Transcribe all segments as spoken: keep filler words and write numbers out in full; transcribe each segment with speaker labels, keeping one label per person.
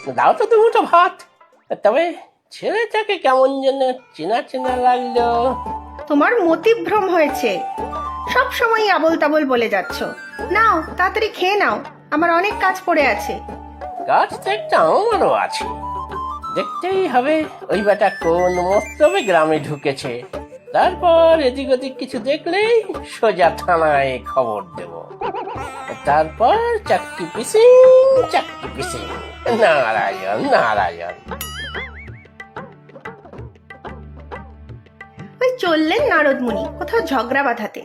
Speaker 1: দাও তো দুটো ভাত। তবে ছেলেটাকে কেমন যেন চেনা চেনা লাগলো।
Speaker 2: তোমার মতিভ্রম হয়েছে, সব সময় আবল তাবল বলে যাচ্ছ। নাও তাড়াতাড়ি খেয়ে নাও, আমার অনেক কাজ পড়ে আছে।
Speaker 1: কাজ তো একটা আমারও আছে, দেখতেই হবে ওই বেটা কোন মস্তবে গ্রামে ঢুকেছে। তারপর এদিক ওদিক কিছু দেখলেই সোজা থানায় খবর দেব। তারপর চাকরি পিসিং চাকরি পিসিং, নারায়ণ নারায়ণ।
Speaker 2: ওই চললেন নারদমুনি কোথাও ঝগড়া বাঁধাতে।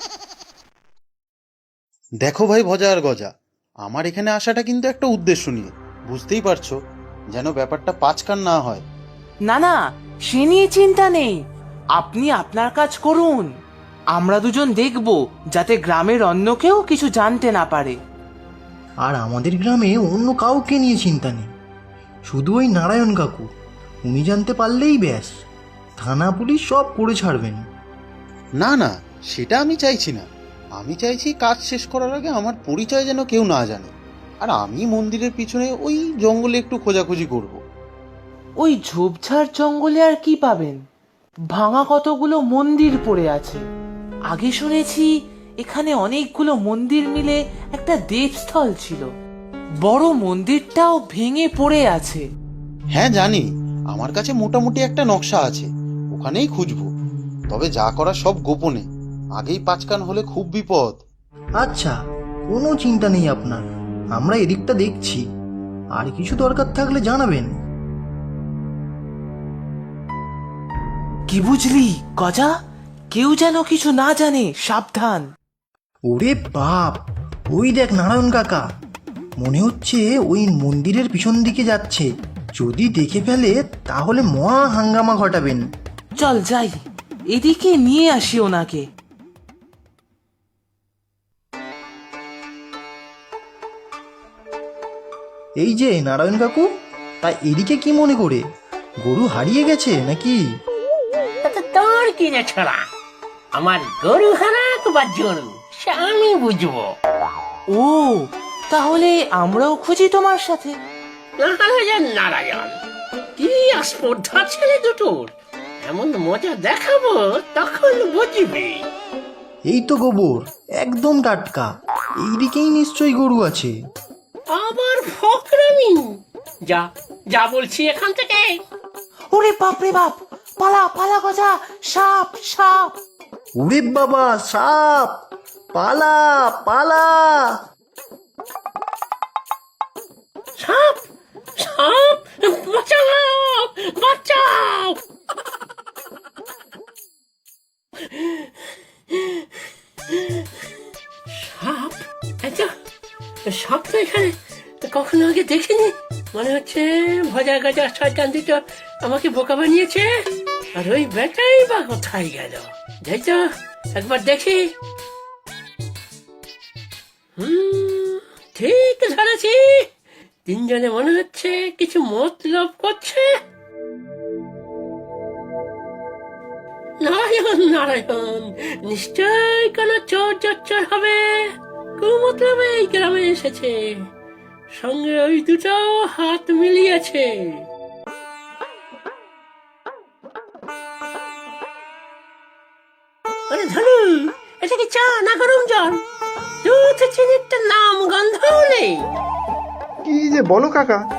Speaker 3: দেখো ভাই ভজা আর গজা, আমার এখানে আসাটা কিন্তু একটা উদ্দেশ্য নিয়ে, বুঝতেই পারছো, যেন ব্যাপারটা পাঁচকান না হয়।
Speaker 4: না না, সে নিয়ে চিন্তা নেই, আপনি আপনার কাজ করুন। আমরা দুজন দেখব যাতে গ্রামের অন্য কেউ কিছু জানতে না পারে।
Speaker 5: আর আমাদের গ্রামে অন্য কাউকে নিয়ে চিন্তা নেই, শুধু ওই নারায়ণ কাকু, উনি জানতে পারলেই ব্যাস, থানা পুলিশ সব করে ছাড়বেন।
Speaker 3: না না, সেটা আমি চাইছি না। আমি চাইছি কাজ শেষ করার আগে আমার পরিচয় যেন কেউ না জানে, আর আমি মন্দিরের পিছনে ওই জঙ্গলে একটু খোঁজাখুঁজি করব।
Speaker 4: ওই ঝোপঝাড় জঙ্গলে আর কি পাবেন? ভাঙা কতগুলো মন্দির পড়ে আছে। আগে শুনেছি এখানে অনেকগুলো মন্দির মিলে একটা দেবস্থল ছিল। বড় মন্দিরটাও ভেঙে পড়ে আছে।
Speaker 3: হ্যাঁ জানি, আমার কাছে মোটামুটি একটা নকশা আছে, ওখানেই খুঁজবো। তবে যা করা সব গোপনে, আগেই পাঁচকান হলে খুব বিপদ।
Speaker 5: আচ্ছা, কোনো চিন্তা নেই আপনার, আমরা এদিকটা দেখছি। আর কিছু দরকার থাকলে জানাবেন।
Speaker 4: কি বুঝলি গজা? কেউ যেন কিছু না জানে, সাবধান।
Speaker 5: ওরে বাপ, ওই দেখ নারায়ণ কাকা, মনে হচ্ছে ওই মন্দিরের পিছন দিকে যাচ্ছে। যদি দেখে ফেলে তাহলে মহা হাঙ্গামা ঘটাবেন।
Speaker 4: চল যাই, এদিকে নিয়ে আসি ওনাকে।
Speaker 5: এই যে নারায়ণ কাকু, তা এদিকে কি মনে করে? গরু হারিয়ে গেছে নাকি?
Speaker 1: তাতে তোর কি রে ছড়া? আমার গরু হারাক বা জরু, সে আমি বুঝবো।
Speaker 4: ও, তাহলে আমরাও খুঁজি তোমার সাথে।
Speaker 1: নারায়ণ নারায়ণ, কি আস্পর্ধা ছেলে দুটোর! এমন মজা দেখাবো তখন বুঝবি।
Speaker 5: এই তো গোবর, একদম টাটকা। এইদিকেই নিশ্চয়ই গরু আছে।
Speaker 1: আবার ফকরামি! যা যা বলছি এখান থেকে।
Speaker 4: ওরে বাপ রে বাপ, পালা পালা গজা, সাপ সাপ।
Speaker 5: ওরে বাবা, সাপ! পালা পালা!
Speaker 1: সাপ সাপ, বাঁচাও বাঁচাও! সাপ? আচ্ছা, সাপ তো এখানে কখনো আগে দেখিনি। মনে হচ্ছে ভজা গাজা শয়তান দুটো আমাকে বোকা বানিয়েছে। আর ওই বেটাই বা কোথায় গেল? যাই তো একবার দেখি। হুম, ঠিক ধরেছি, তিনজনে মনে হচ্ছে কিছু মতলব করছে। নারায়ণ নারায়ণ, নিশ্চয় কোন চোর চচ্চর হবে, কুমতলবে এই গ্রামে এসেছে, সঙ্গে ওই দুটো হাত মিলিয়েছে। আরে ধনু, এটা কি চা না গরম জল? দুধ চিনির নাম গন্ধও নেই।
Speaker 6: কি যে বলো কাকা,